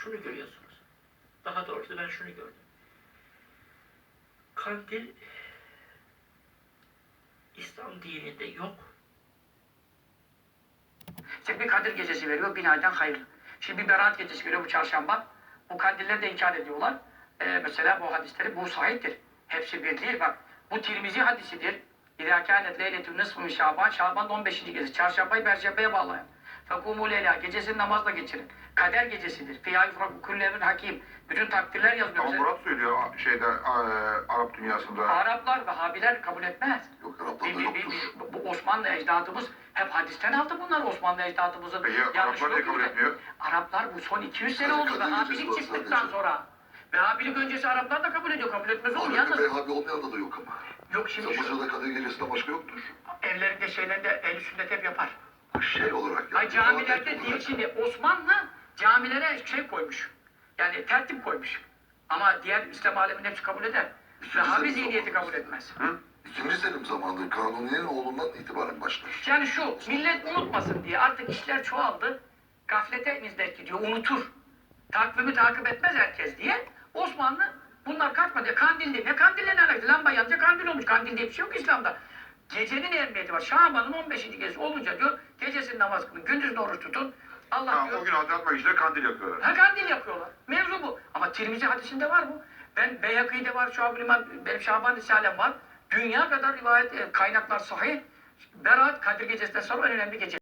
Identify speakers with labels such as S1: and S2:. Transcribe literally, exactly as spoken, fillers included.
S1: şunu görüyorsunuz. Daha doğrusu ben şunu gördüm. Kandil İslam dininde yok.
S2: İşte bir Kadir gecesi veriyor, bin aydan hayırlı. Şimdi bir Berat gecesi veriyor bu çarşamba. Bu kandilleri de inkar ediyorlar. Ee, mesela bu hadisleri, bu sahiptir. Hepsi bir değil bak. Bu Tirmizi hadisidir. İzâ kânet leyletü nısfı Şaban, Şaban'ın on beşinci gecesi. Çarşambayı Perşembe'ye bağlayan. Fekûmû leyla, gecesini namazla geçirin. Kader gecesidir. Fîhâ yufrakû kullü emrin hakim. Bütün takdirler yazılıyor.
S3: Ama Murat söylüyor şeyde e, Arap dünyasında.
S2: Araplar, Vehhabiler kabul etmez.
S4: Yok Araplarda
S2: Bir- bir-
S4: yoktur.
S2: bir- bir- bu Osmanlı ecdadımız hep hadisten aldı bunlar. Osmanlı ecdadımızın
S3: Peki
S2: yanlışı
S3: Araplar niye
S2: yok
S3: kabul
S2: burada.
S3: etmiyor?
S2: Araplar bu son iki yüz sene
S4: Sadece
S2: oldu.
S4: Kadir gecesi
S2: Vehhabilik
S4: var
S2: çıktıktan
S4: sadece.
S2: sonra. Vehhabilik öncesi Araplar da kabul ediyor. Kabul etmez olur.
S4: Arap'ta
S2: Yalnız
S4: Vehhabi olmayan da, da yok ama.
S2: yok şimdi
S4: Mesela
S2: şu
S4: Mısır'da Kadir gecesinden başka yoktur.
S2: evlerinde şeylerinde el sünnet hep yapar.
S4: Şey olarak yani.
S2: Ay camilerde
S4: ibadet
S2: değil
S4: olarak.
S2: şimdi Osmanlı camilere şey koymuş. Yani tertip koymuş. Ama diğer İslam aleminin hepsi kabul eder. Vehhabi zihniyeti kabul etmez.
S3: Hı?
S4: İkinci Selim zamanında Kanuni'nin oğlundan itibaren başlar.
S2: Yani şu, millet unutmasın diye artık işler çoğaldı. Gaflete nizdet gidiyor, unutur. Takvimi takip etmez herkes diye. Osmanlı bunlar kaçmadı. Kandil diye. Ne kandille ne alakası? Lamba yanınca kandil olmuş. Kandil diye bir şey yok İslam'da. Gecenin emniyeti var. Şaban'ın on beşinci gecesi olunca diyor, gecesini namaz kılın, gündüzünü oruç tutun. Allah
S3: Ha,
S2: diyor.
S3: o gün Hazreti Meclis'te kandil yakıyorlar.
S2: Ha kandil yapıyorlar. Mevzu bu. Ama Tirmizi hadisinde var bu. Ben Beyhakî'de var, Şuab-ı İman, benim Şaban Risalem var. Dünya kadar rivayet, e, kaynaklar sahih. Berat, Kadir Gecesi'nden sonra en önemli gece.